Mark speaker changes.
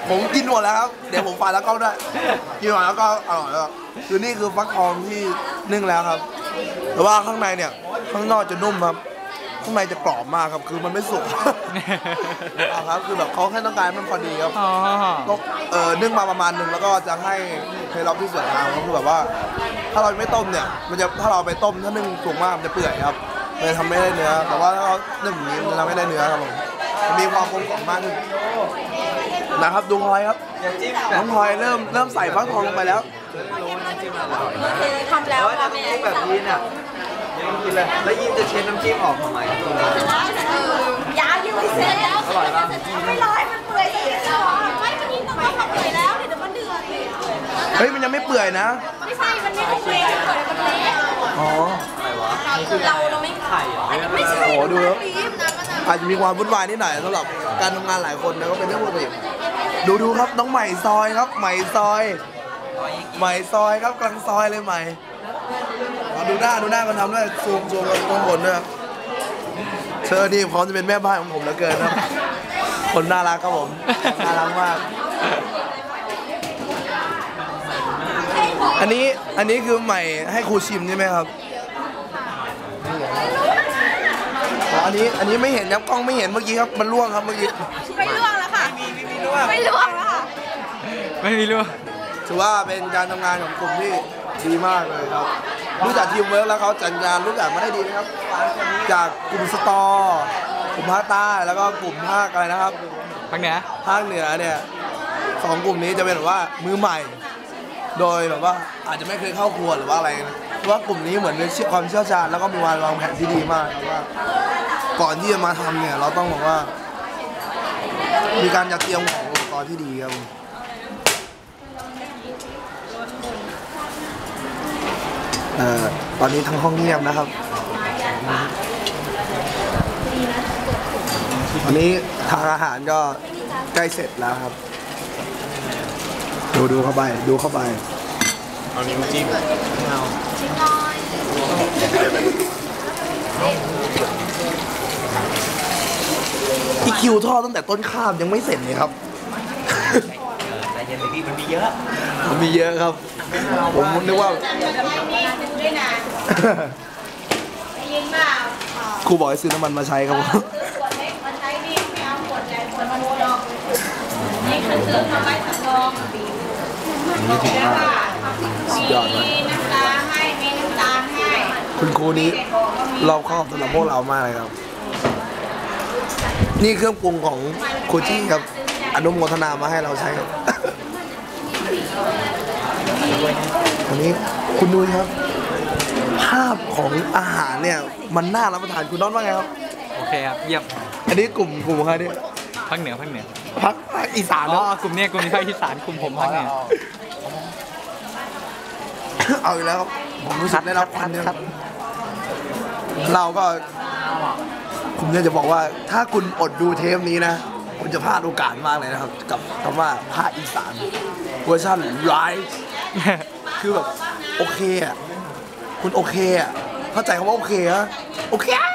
Speaker 1: ผมกินหมดแล้วครับเดี๋ยวผมฝากแล้วก็ด้วยกินหมดแล้วก็อร่อยแล้วคือนี่คือฟักทองที่นึ่งแล้วครับแต่ว่าข้างในเนี่ยข้างนอกจะนุ่มครับข้างในจะกรอบมากครับคือมันไม่สุกครับคือแบบเขาแค่ต้องการมันพอดีครับก็นึ่งมาประมาณนึงแล้วก็จะให้เคล็ดลับที่สวยงามก็คือแบบว่าถ้าเราไม่ต้มเนี่ยมันจะถ้าเราไปต้มถ้านึ่งสุกมากมันจะเปื่อยครับเลยทำไม่ได้เนื้อแต่ว่าถ้าเรานึ่งอย่างนี้มันทำไม่ได้เนื้อครับผมมีความกลมกล่อมมากขึ้นนะครับดูพลอยครับน้องพลอยเริ่มใส่ฟักทองลงไปแล้ว
Speaker 2: ทำแล้วทำแบบยีนอ่ะกินเลยแล้วยีนจะเช็ดน้ำจิ้มออกทำไม
Speaker 3: ยาวยืดเสร็จแล้วอร่อยมากไม่ร้อยมันเปื่อยเลยไม่มันยิ่งต้องทำเปื่อยแล้วเดี๋ยวมันเดือด
Speaker 1: เฮ้ยมันยังไม่เปื่อยนะ
Speaker 3: ไม่ใช่มันไม่เปื่อยมันเละ
Speaker 1: อ๋อ
Speaker 3: เราไม่ไข่ไม่ใช่
Speaker 1: โอ้ดูแล้วอาจจะมีความวุ่นวายนิดหน่อยสำหรับการทำงานหลายคนนะก็เป็นเรื่องปกติดูครับน้องใหม่ซอยครับใหม่ซอยครับกลางซอยเลยใหม่ดูหน้ากันทำด้วยซูมตรงบนด้วยเธอนี่พร้อมจะเป็นแม่บ้านของผมเหลือเกินครับคนน่ารักครับผมน่ารักมากอันนี้คือใหม่ให้ครูชิมใช่ไหมครับอันนี้ไม่เห็นครับกล้องไม่เห็นเมื่อกี้ครับมันล่วงครับเมื่อกี้
Speaker 3: ไม่ล่วงแล้วค่ะไม่ล่วงแล้วค่ะ
Speaker 4: ไม่มีล่วง
Speaker 1: ถือว่าเป็นการทำงานของกลุ่มที่ดีมากเลยครับรู้จักทีมเวิร์กแล้วเขาจัดงานรู้จักมาได้ดีนะครับจากกลุ่มสตอกลุ่มภาคใต้แล้วก็กลุ่มภาคอะไรนะครับ
Speaker 4: ภาคเหนื
Speaker 1: อเนี่ย2กลุ่มนี้จะเป็นแบบว่ามือใหม่โดยแบบว่าอาจจะไม่เคยเข้าครัวหรือว่าอะไรนะเพราะว่ากลุ่มนี้เหมือนมีความเชี่ยวชาญแล้วก็มีวางแผนที่ดีมากครับว่าก่อนที่จะมาทำเนี่ยเราต้องบอกว่ามีการจัดเตรียมของอุปกรณ์ที่ดีครับตอนนี้ทั้งห้องเงียบนะครับตอนนี้ทางอาหารก็ใกล้เสร็จแล้วครับดูเข้าไป
Speaker 4: เอานิ้วจิ้ม
Speaker 1: อีคิวทอดตั้งแต่ต้นข้ามยังไม่เสร็จเลยครับ
Speaker 2: แต่ยังมีมันมีเยอะ
Speaker 1: ครับผมนึกว่าครูบอกให้ซื้อน้ำมันมาใช้ครับผม
Speaker 3: นี่คือเครื่องทำไว้สำรอง
Speaker 1: นี่ถึงมากสุดยอดมาก
Speaker 3: มีน้ำตาให้
Speaker 1: คุณครูนี้รอบคอบสำหรับพวกเรามากเลยครับนี่เครื่องปรุงของครูจี้ครับอนุโมทนามาให้เราใช้วันนี้คุณนุ้ยครับภาพของอาหารเนี่ยมันน่ารับประทานคุณน้องว่าไงครับ
Speaker 4: โอเคครับเยี่ยม
Speaker 1: อันนี้กลุ่มใครเนี่ย
Speaker 4: ภาคเหนือภาค
Speaker 1: อีสาน
Speaker 4: อ๋อกลุ่มนี้ภาคอีสานกลุ่มผมภาคเหนือ
Speaker 1: เอาอีกแล้วผมรู้สึกได้รับความเนี่ยเราก็ผมเนี่ยจะบอกว่าถ้าคุณอดดูเทปนี้นะคุณจะพลาดโอกาสมากเลยนะครับกับคำว่าภาคอีสานเวอร์ชันไลฟ์คือแบบโอเคอ่ะคุณโอเคอ่ะเข้าใจคำว่าโอเคอ่ะโอเค